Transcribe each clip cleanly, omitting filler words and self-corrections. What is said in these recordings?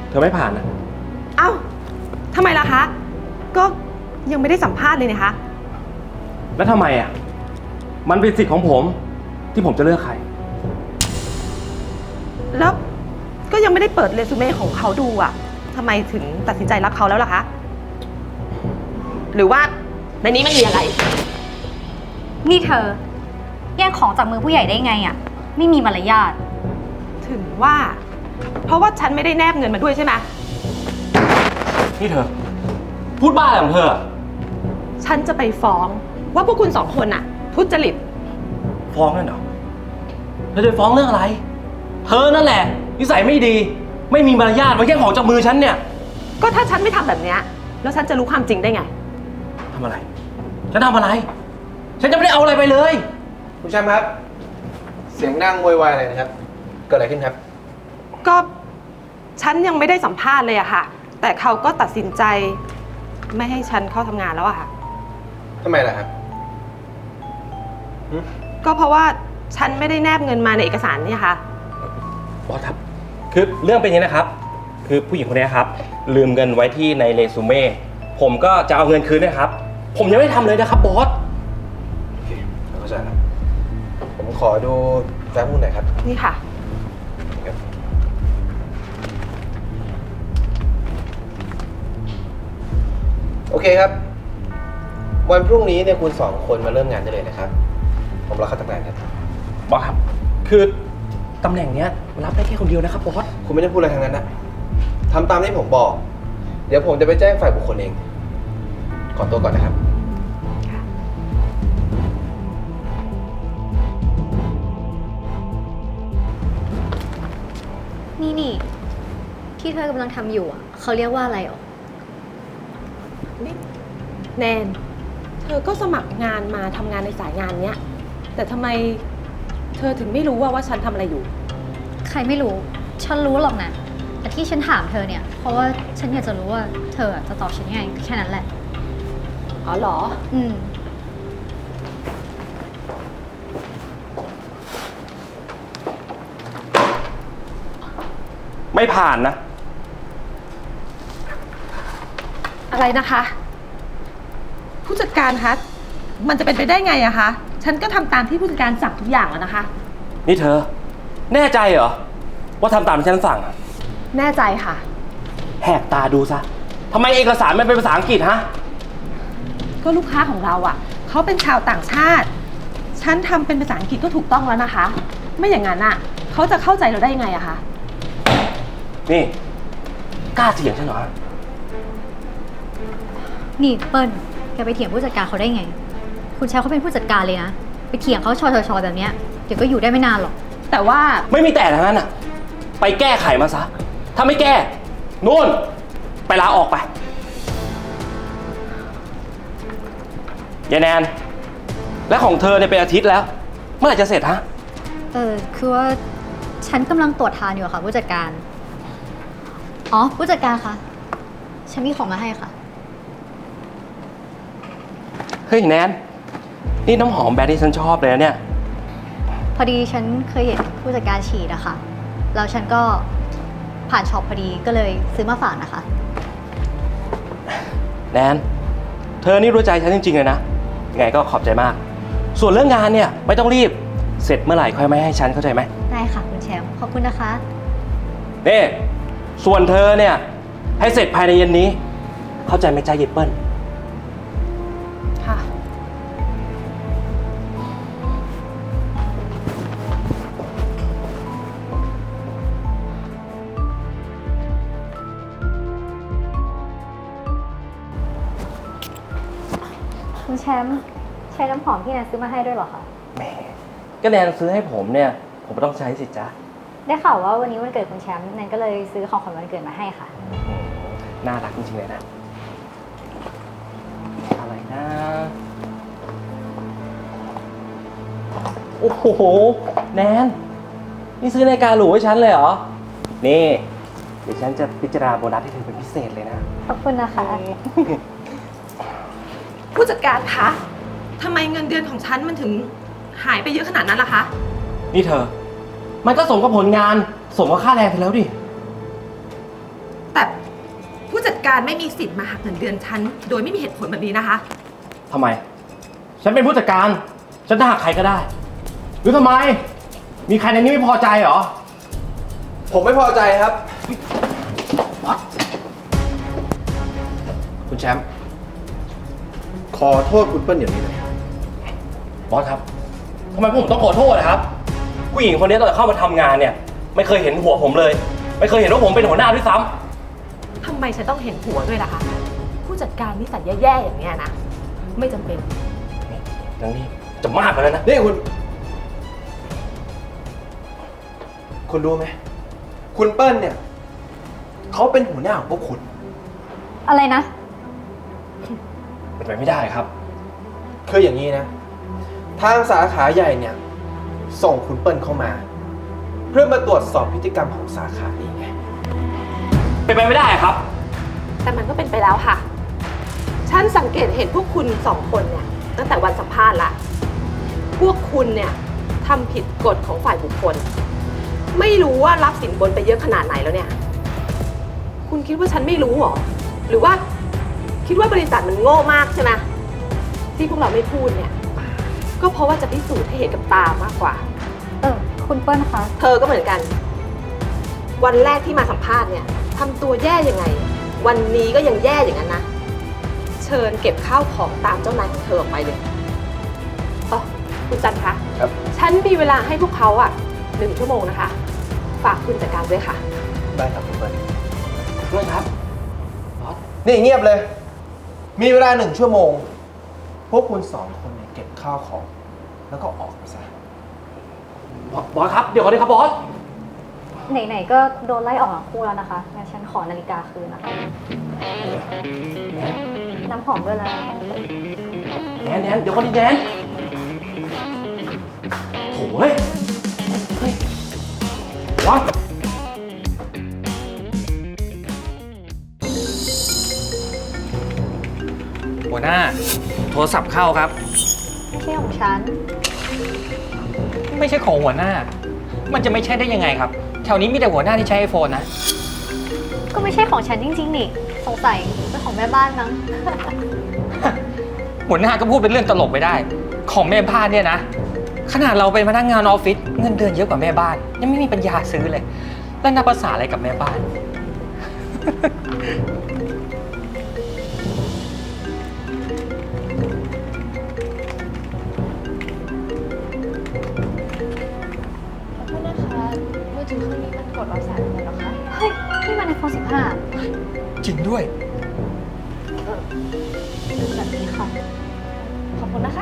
เธอไม่ผ่านนะเอ้าทำไมล่ะคะ ก็ยังไม่ได้สัมภาษณ์เลยนะคะแล้วทำไมอ่ะ มันเป็นสิทธิ์ของผมที่ผมจะเลือกใครแล้วก็ยังไม่ได้เปิดเรซูเม่ของเขาดูอ่ะทำไมถึงตัดสินใจรับเขาแล้วล่ะคะ หรือว่าในนี้มันมีอะไรนี่เธอแย่งของจากมือผู้ใหญ่ได้ไงอ่ะ ไม่มีมารยาทถึงว่า เพราะว่าฉันไม่ได้แนบเงินมาด้วยใช่ไหมนี่เธอ พูดบ้าอะไรของเธอฉันจะไปฟ้องว่าพวกคุณสองคนน่ะ ทุจริตฟ้องนั่นเหรอเธอจะฟ้องเรื่องอะไร เธอนั่นแหละนิสัยไม่ดี ไม่มีมารยาทมาแย่งของจากมือฉันเนี่ยก็ถ้าฉันไม่ทำแบบเนี้ยแล้วฉันจะรู้ความจริงได้ไงทำอะไร ฉันทำอะไร ฉันจะไม่ได้เอาอะไรไปเลยคุณแชมป์ครับ เสียงดังโวยวายอะไรนะครับ เกิดอะไรขึ้นครับก็ฉันยังไม่ได้สัมภาษณ์เลยอะค่ะ แต่เขาก็ตัดสินใจไม่ให้ฉันเข้าทำงานแล้วอะค่ะทำไมล่ะครับก็เพราะว่าฉันไม่ได้แนบเงินมาในเอกสารเนี่ยค่ะบอสครับ คือเรื่องเป็นอย่างนี้นะครับ คือผู้หญิงคนนี้ครับ ลืมเงินไว้ที่ในเรซูเม่ ผมก็จะเอาเงินคืนนะครับ ผมยังไม่ทำเลยนะครับบอสโอเคเข้าใจแล้วผมขอดูแฟ้มหุ้นหน่อยครับนี่ค่ะโอเคครับ วันพรุ่งนี้เนี่ยคุณสองคนมาเริ่มงานได้เลยนะครับ ผมรอเข้าทำงานครับบอสครับ คือตำแหน่งเนี้ยรับได้แค่คนเดียวนะครับบอสคุณไม่ได้พูดอะไรทั้งนั้นนะทำตามที่ผมบอก เดี๋ยวผมจะไปแจ้งฝ่ายบุคคลเอง ขอตัวก่อนนะครับนี่ที่เธอกำลังทำอยู่อ่ะเขาเรียกว่าอะไรหรอนี่แนน เธอก็สมัครงานมาทำงานในสายงานเนี้ย แต่ทำไมเธอถึงไม่รู้ว่าฉันทำอะไรอยู่ใครไม่รู้ ฉันรู้หรอกนะ แต่ที่ฉันถามเธอเนี่ย เพราะว่าฉันอยากจะรู้ว่าเธอจะตอบฉันยังไงแค่นั้นแหละอ๋อเหรออืมไม่ผ่านนะอะไรนะคะ ผู้จัดการคะ มันจะเป็นไปได้ไงอะคะ ฉันก็ทำตามที่ผู้จัดการสั่งทุกอย่างแล้วนะคะนี่เธอ แน่ใจเหรอ ว่าทำตามที่ฉันสั่งอะแน่ใจค่ะแหกตาดูซะทำไมเอกสารมันเป็นภาษาอังกฤษฮะก็ลูกค้าของเราอะเขาเป็นชาวต่างชาติ ฉันทำเป็นภาษาอังกฤษก็ถูกต้องแล้วนะคะ ไม่อย่างนั้นอะเขาจะเข้าใจเราได้ยังไงอะคะนี่ กล้าเถียงฉันเหรอนี่เปิ้ลแกไปเถียงผู้จัดการเขาได้ไง คุณแชมป์เขาเป็นผู้จัดการเลยนะ ไปเถียงเขาชอแบบเนี้ยเดี๋ยวก็อยู่ได้ไม่นานหรอกแต่ว่าไม่มีแต่ทั้งนั้นอ่ะ ไปแก้ไขมาซะ ถ้าไม่แก้ นู่น ไปลาออกไปยายแนน และของเธอเนี่ยเป็นอาทิตย์แล้ว เมื่อไหร่จะเสร็จฮะคือว่าฉันกำลังตรวจทานอยู่อะค่ะผู้จัดการ อ๋อผู้จัดการคะ ฉันมีของมาให้ค่ะเฮ้ยแนน นี่น้ำหอมแบรนด์ที่ฉันชอบเลยนะเนี่ยพอดีฉันเคยเห็นผู้จัดการฉีดอะค่ะ แล้วฉันก็ผ่านช็อปพอดีก็เลยซื้อมาฝากนะคะแนน เธอนี่รู้ใจฉันจริงๆเลยนะ ยังไงก็ขอบใจมาก ส่วนเรื่องงานเนี่ยไม่ต้องรีบ เสร็จเมื่อไหร่ค่อยมาให้ฉันเข้าใจไหมได้ค่ะคุณแชมป์ขอบคุณนะคะนี่ ส่วนเธอเนี่ย ให้เสร็จภายในเย็นนี้ เข้าใจไหมจ๊ะเยเปิ้ลค่ะคุณแชมป์ใช้น้ำหอมที่แนนซื้อมาให้ด้วยเหรอคะแหมก็แนนซื้อให้ผมเนี่ย ผมก็ต้องใช้สิจ๊ะได้ข่าวว่าวันนี้วันเกิดคุณแชมป์แนนก็เลยซื้อของขวัญวันเกิดมาให้ค่ะน่ารักจริงๆเลยนะ อะไรนะ โอ้โห แนน นี่ซื้อนาฬิกาหรูให้ฉันเลยเหรอ นี่ เดี๋ยวฉันจะพิจารณาโบนัสให้เธอเป็นพิเศษเลยนะขอบคุณนะคะผู้จัดการคะทำไมเงินเดือนของฉันมันถึงหายไปเยอะขนาดนั้นล่ะคะนี่เธอ มันก็สมกับผลงาน สมกับค่าแรงเธอแล้วดิการไม่มีสิทธิ์มาหักเงินเดือนฉันโดยไม่มีเหตุผลแบบนี้นะคะทำไม ฉันเป็นผู้จัดการ ฉันจะหักใครก็ได้ หรือทำไม มีใครในนี้ไม่พอใจเหรอผมไม่พอใจครับ คุณแชมป์ ขอโทษคุณเปิ้ลเดี๋ยวนี้เลยบอสครับ ทำไมผมต้องขอโทษนะครับ ผู้หญิงคนนี้ตอนเข้ามาทำงานเนี่ย ไม่เคยเห็นหัวผมเลย ไม่เคยเห็นว่าผมเป็นหัวหน้าด้วยซ้ำทำไมฉันต้องเห็นหัวด้วยล่ะคะ ผู้จัดการนิสัยแย่ๆอย่างเงี้ยนะ ไม่จำเป็นทั้งนี้จะมากกว่านั้นนะนี่คุณรู้ไหม คุณเปิ้ลเนี่ย เขาเป็นหัวหน้าของพวกคุณอะไรนะเป็นไปไม่ได้ครับคืออย่างนี้นะ ทางสาขาใหญ่เนี่ย ส่งคุณเปิ้ลเข้ามา เพื่อมาตรวจสอบพฤติกรรมของสาขานี้ไงเป็นไปไม่ได้ครับแต่มันก็เป็นไปแล้วค่ะ ฉันสังเกตเห็นพวกคุณสองคนเนี่ยตั้งแต่วันสัมภาษณ์ละ พวกคุณเนี่ยทำผิดกฎของฝ่ายบุคคล ไม่รู้ว่ารับสินบนไปเยอะขนาดไหนแล้วเนี่ย คุณคิดว่าฉันไม่รู้หรอ หรือว่าคิดว่าบริษัทมันโง่มากใช่ไหมที่พวกเราไม่พูดเนี่ย ก็เพราะว่าจะพิสูจน์ให้เห็นกับตามากกว่าคุณเปิ้ลคะเธอก็เหมือนกัน วันแรกที่มาสัมภาษณ์เนี่ยทำตัวแย่ยังไง วันนี้ก็ยังแย่อย่างนั้นนะ เชิญเก็บข้าวของตามเจ้านายของเธอออกไปเลยอ๋อคุณจันคะครับฉันมีเวลาให้พวกเขาอ่ะ1 ชั่วโมงนะคะ ฝากคุณจัดการด้วยค่ะได้ครับคุณเปิ้ลด้วยครับ บอสนี่เงียบเลย มีเวลา1 ชั่วโมง พวกคุณ2 คนเนี่ยเก็บข้าวของ แล้วก็ออกไปซะบอสครับ เดี๋ยวก่อนดิครับบอสไหนๆก็โดนไล่ออกทั้งคู่แล้วนะคะงั้นฉันขอนาฬิกาคืนนะคะ น้ำหอมด้วยแล้วแนนเดี๋ยวก่อนดิแนนโถ่เฮ้ยบอสหัวหน้า โทรศัพท์เข้าครับไม่ใช่ของฉันไม่ใช่ของหัวหน้า มันจะไม่ใช่ได้ยังไงครับ แถวนี้มีแต่หัวหน้าที่ใช้ iPhone นะก็ไม่ใช่ของฉันจริงๆนี่ สงสัยเป็นของแม่บ้านมั้งหัวหน้าก็พูดเป็นเรื่องตลกไปได้ ของแม่บ้านเนี่ยนะ ขนาดเราเป็นพนักงานออฟฟิศเงินเดือนเยอะกว่าแม่บ้าน ยังไม่มีปัญญาซื้อเลย แล้วนับภาษาอะไรกับแม่บ้านขอโทษนะคะมือถือเครื่องนี้มันกดรับสายไม่ได้หรอคะเฮ้ย นี่มัน iPhone 15 จริงด้วยแบบนี้ค่ะขอบคุณนะคะ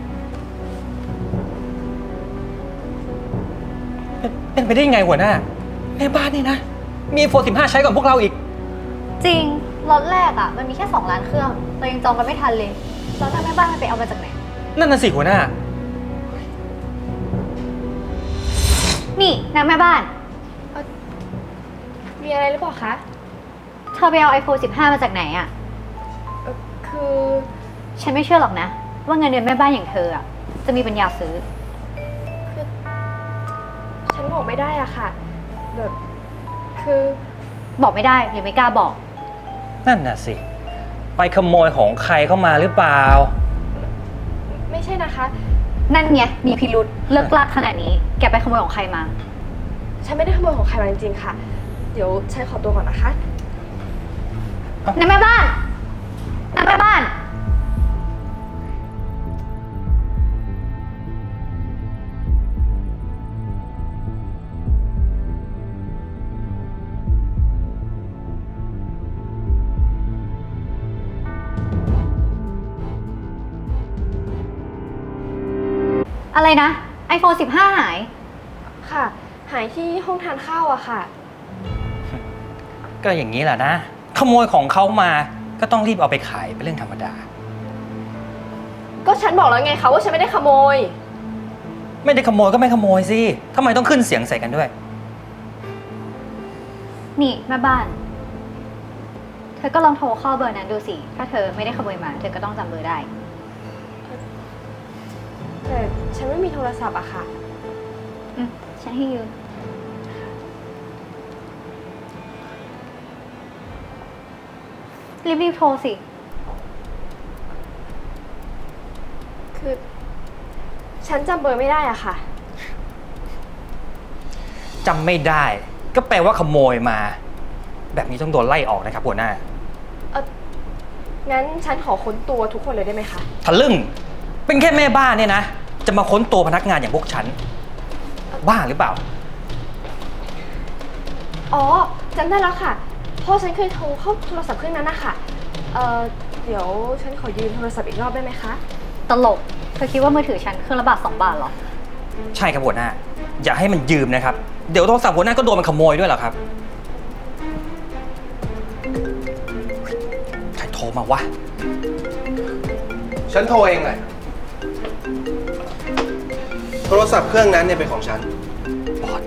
เป็นไปได้ยังไงหัวหน้า แม่บ้านนี่นะ มี iPhone 15 ใช้ก่อนพวกเราอีกจริงล็อตแรกอ่ะ มันมีแค่2 ล้านเครื่อง เรายังจองกันไม่ทันเลยแล้วถ้าแม่บ้านมันไปเอามาจากไหนนั่นน่ะสิหัวหน้านี่นางแม่บ้านมีอะไรหรือเปล่าคะเธอไปเอา iPhone 15 มาจากไหนอ่ะคือฉันไม่เชื่อหรอกนะ ว่าเงินเดือนแม่บ้านอย่างเธออ่ะ จะมีปัญญาซื้อฉันบอกไม่ได้อะค่ะแบบคือบอกไม่ได้หรือไม่กล้าบอกนั่นน่ะสิ ไปขโมยของใครเข้ามาหรือเปล่าไม่ใช่นะคะนั่นไงมีพิรุษเลิกลากขนาดนี้ แกไปขโมยของใครมาฉันไม่ได้ขโมยของใครมาจริงๆค่ะ เดี๋ยวฉันขอตัวก่อนนะคะนางแม่บ้านนางแม่บ้าน อะไรนะ iPhone 15 หายค่ะ หายที่ห้องทานข้าวอะค่ะก็อย่างนี้แหละนะ ขโมยของเขามา ก็ต้องรีบเอาไปขายเป็นเรื่องธรรมดาก็ฉันบอกแล้วไงคะว่าฉันไม่ได้ขโมยไม่ได้ขโมยก็ไม่ขโมยสิทำไมต้องขึ้นเสียงใส่กันด้วยนี่แม่บ้าน เธอก็ลองโทรเข้าเบอร์นั้นดูสิ ถ้าเธอไม่ได้ขโมยมา เธอก็ต้องจำเบอร์ได้แต่ฉันไม่มีโทรศัพท์อะค่ะฉันให้ยืมขรีบๆโทรสิคือฉันจำเบอร์ไม่ได้อะค่ะจำไม่ได้ ก็แปลว่าขโมยมา แบบนี้ต้องโดนไล่ออกนะครับหัวหน้างั้นฉันขอค้นตัวทุกคนเลยได้ไหมคะทะลึ่ง เป็นแค่แม่บ้านเนี่ยนะ จะมาค้นตัวพนักงานอย่างพวกฉัน บ้าหรือเปล่าอ๋อจำได้แล้วค่ะ เพราะฉันเคยโทรเข้าโทรศัพท์เครื่องนั้นนะคะเดี๋ยวฉันขอยืมโทรศัพท์อีกรอบได้ไหมคะตลก เธอคิดว่ามือถือฉันเครื่องละบาท2 บาทเหรอใช่ครับหัวหน้า อย่าให้มันยืมนะครับ เดี๋ยวโทรศัพท์หัวหน้าก็โดนมันขโมยด้วยเหรอครับ ใครโทรมาวะฉันโทรเองแหละ โทรศัพท์เครื่องนั้นเนี่ยเป็นของฉันบอส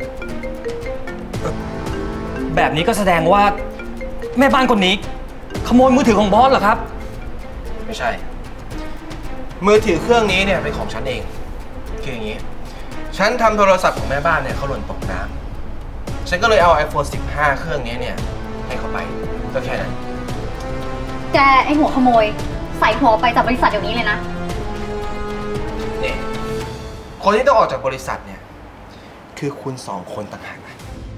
แบบนี้ก็แสดงว่าแม่บ้านคนนี้ ขโมยมือถือของบอสเหรอครับไม่ใช่ มือถือเครื่องนี้เนี่ยเป็นของฉันเอง คืออย่างนี้ ฉันทำโทรศัพท์ของแม่บ้านเนี่ยเขาหล่นตกน้ำฉันก็เลยเอา iPhone 15 เครื่องนี้เนี่ยให้เขาไป ก็แค่นั้นแกไอหัวขโมย ใส่หัวไปจากบริษัทเดี๋ยวนี้เลยนะนี่ คนที่ต้องออกจากบริษัทเนี่ย คือคุณสองคนต่างหากนะ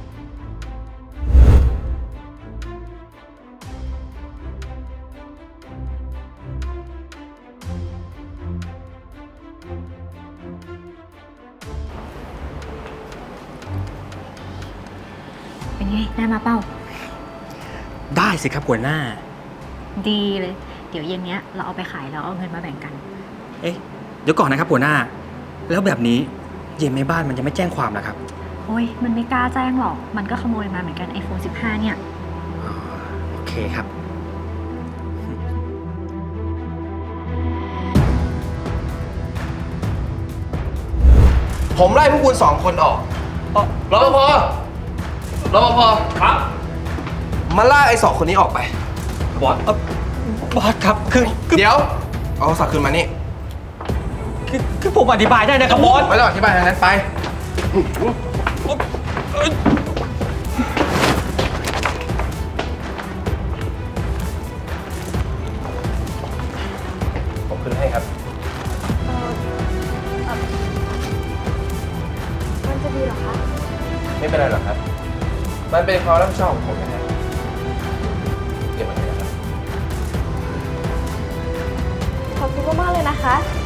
เป็นไง ได้มาเป้าได้สิครับหัวหน้าดีเลย เดี๋ยวเย็นเนี้ยเราเอาไปขายแล้วเอาเงินมาแบ่งกันเอ๊ะ เดี๋ยวก่อนนะครับหัวหน้า แล้วแบบนี้เย็นแม่บ้านมันจะไม่แจ้งความนะครับโอ้ย มันไม่กล้าแจ้งหรอก มันก็ขโมยมาเหมือนกัน iPhone 15 เนี่ยโอเคครับผมไล่พวกคุณสองคนออกรปภรปภครับมาล่าไอ้สองคนนี้ออกไปบอสบอสครับ คือเดี๋ยว เอาโทรศัพท์คืนมานี่คือผมอธิบายได้นะครับบอสไม่ต้องอธิบายทางนั้นไป ผมคืนให้ครับมันจะดีเหรอคะไม่เป็นไรหรอกครับ มันเป็นความรับผิดชอบของผมนะครับเก็บไว้เลยนะครับขอบคุณมากๆเลยนะคะ